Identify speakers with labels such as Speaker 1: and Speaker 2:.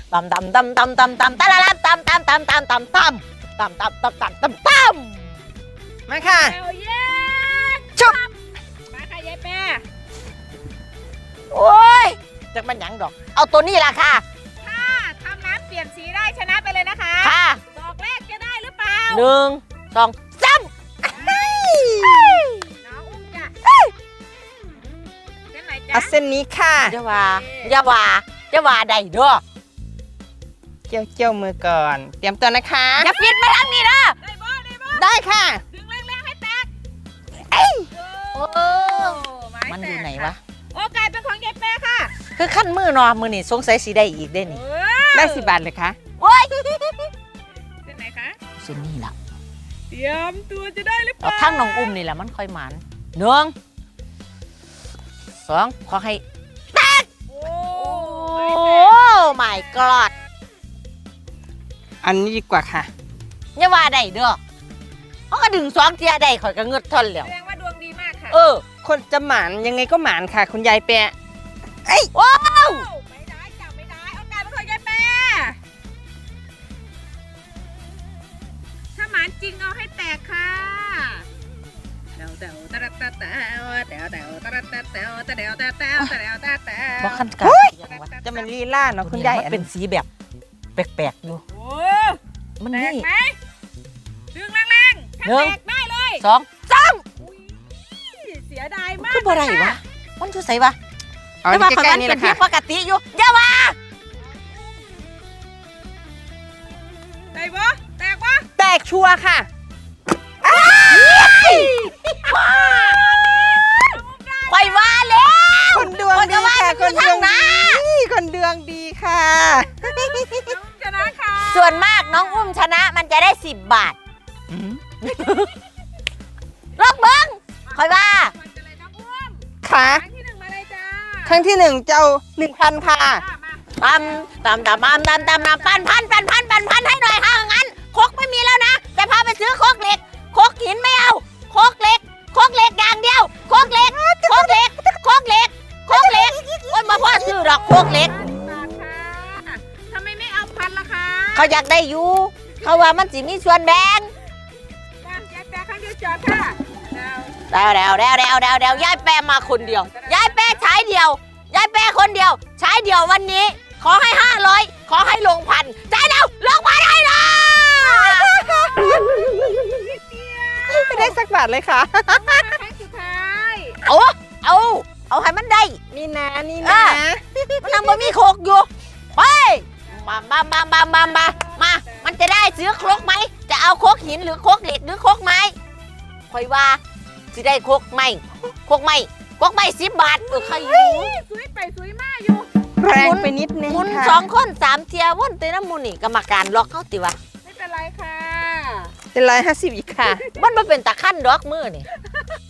Speaker 1: ตำตำตำตำตำตำตะละละตำตำตำตำตำตำตำตำตำตำตำตำตำ
Speaker 2: มาค่ะ
Speaker 3: เอาเย้
Speaker 2: ชุบ
Speaker 3: มาค่ะยายแปร
Speaker 1: โอ้ยจะมันหยังดอกเอาตัวนี้ล่ะค่ะ
Speaker 3: ถ้าทำน้ำเปลี่ยนสีได้ชนะไปเลยนะคะ
Speaker 1: ค่ะ
Speaker 3: ดอกแรกจะได้หรือเปล่า
Speaker 1: 1 2 3
Speaker 3: น้องอุ้มจ้ะเส้นไหนจ๊ะ
Speaker 2: เอาเส้นนี้ค่ะ
Speaker 1: อย่าว่าได้เด้อ
Speaker 2: เจียวมือก่อนเตรียมตัวนะคะ
Speaker 1: อย่าปิดมาทางนี้นะ
Speaker 3: ได้บ่ได้บ่
Speaker 2: ได้ค่ะ
Speaker 3: ดึงแรงๆให้แตก
Speaker 1: โอ้
Speaker 3: ไม้
Speaker 1: มัน
Speaker 3: แต
Speaker 1: อยู่
Speaker 3: ก
Speaker 1: ไหน
Speaker 3: ค่ะ
Speaker 1: วะ
Speaker 3: โอกาสเป็นของยายแปรค่ะ
Speaker 1: คือขั้นมือนอมือนี่สงสัยสีได้อีกได้นี่
Speaker 2: ได้10 บาทเลยค่ะ
Speaker 1: โอ้ย
Speaker 3: เส้นไหนคะ
Speaker 1: เส้นนี้ล่ะ
Speaker 3: เตรียมตัวจะได้หรือเป
Speaker 1: เอา
Speaker 3: ล่า
Speaker 1: ทั้งน้องอุ้มนี่แหละมันค่อยหมัน1 2ขอให้
Speaker 3: โอ้
Speaker 1: โอ้ my god
Speaker 2: อันนี้ดีกว่าค่ะ
Speaker 1: อย่าว่าได้เด้อเขาก็ดึง2เทียได้ข่อยก็เงืดทนแล้ว
Speaker 3: แสดงว่าดวงดีมากค่ะ
Speaker 2: คนจะหมานยังไงก็หมานค่ะ คุณยายแปะ
Speaker 1: ว้าว
Speaker 3: ไม่ได้จ้ะไม่ได้โอกาสเป็นของยายแปรถ้าหมานจริงเอาให้แตกค่ะเดาเดาตะระตะเดาเดาเดาตะระตะเดาตะเดาตะเดาตะเดาตะเดา
Speaker 1: บ่คันกายังวะ
Speaker 2: จะเป็นลีลาเนาะคุณยาย
Speaker 1: มันเป็นสีแบบแปลกๆอยู่
Speaker 3: โอ้
Speaker 1: มัน
Speaker 3: แตก
Speaker 1: นี่
Speaker 3: ไหมดึงแรงๆถ้า
Speaker 1: หนึ่ง
Speaker 3: แตกได้เลย
Speaker 1: 2 3
Speaker 3: อุ๊ยเสียดายมาก
Speaker 1: คือบ่ได้วะมันอยู่ไสวะ
Speaker 2: เอา
Speaker 1: แต่
Speaker 2: ที่
Speaker 1: ว่าข่อย
Speaker 2: ใกล้
Speaker 1: มัน
Speaker 2: ๆนี่แห
Speaker 1: เป็น
Speaker 2: ละ
Speaker 1: เพีย
Speaker 2: ค่ะ
Speaker 1: งปกติอยู่อย่าว่า
Speaker 3: ได้ปะแตกปะ
Speaker 2: แตกชัวร์ค่ะ
Speaker 1: ข่อยว่าแล้ว
Speaker 2: คนดวงดีค่ะ คนดวงดีคนดวงดีค่ะ
Speaker 3: ชนะค่ะ
Speaker 1: ส่วนมากน้องอุ้มชนะมันจะได้10 บาทลอกเบิ้งข่อยว่า
Speaker 3: มันจะเลยน้องอุ้ม
Speaker 2: ค่ะ
Speaker 3: ครั้งที่หนึ่งมาเลยจ้า
Speaker 2: ครั้งที่1เจ้า 1,000 ค่ะ
Speaker 3: มา
Speaker 1: ตำปันให้หน่อยค่ะงั้นโคกไม่มีแล้วนะแต่พาไปซื้อโคกเหล็กโคกหินไม่เอาโคกเหล็กอย่างเดียวโคกเหล็กโอ้ยมาพ่อซื้อดอกโคกเหล็ก
Speaker 3: บาทค่ะทำไมไม่เอาพันล่ะคะ
Speaker 1: เขาอยากได้อยู่เขาว่ามันสิมีส่วนแบ่ง
Speaker 3: จ้ายายแปรครั้งเดียวจอดค่ะดาว
Speaker 1: เดี๋ยวยายแปรมาคนเดียวยายแปรใช้เดียวยายแปรคนเดียวใช้เดียววันนี้ ขอให้500ขอให้ลงพันใจเดียวลงพันให้เลย
Speaker 2: ไม่ได้สักบาทเลยค่ะ
Speaker 3: ครั้งสุดท้าย
Speaker 1: เอาให้มันได้
Speaker 2: นี่นะ
Speaker 1: มันยังบ่มีโคกอยู่ไปมามันจะได้ซื้อโคกไหมจะเอาโคกหินหรือโคกเหล็กหรือโคกไม้คอยว่าสิได้โคกไม้10 บาทใครอยู่
Speaker 3: สวยไปสวยมากอยู่
Speaker 2: แรงไปนิดนึง
Speaker 1: หมุน
Speaker 2: ค่ะ
Speaker 1: 2 คน 3 เทียวนเตน้ำมูนี่กรรมการล็อกเขาติวะ
Speaker 3: ไม่เป็นไรค่ะ
Speaker 2: เป็น150อีกค่ะ
Speaker 1: มันมาเป็นตะขั้นดอกมือนี่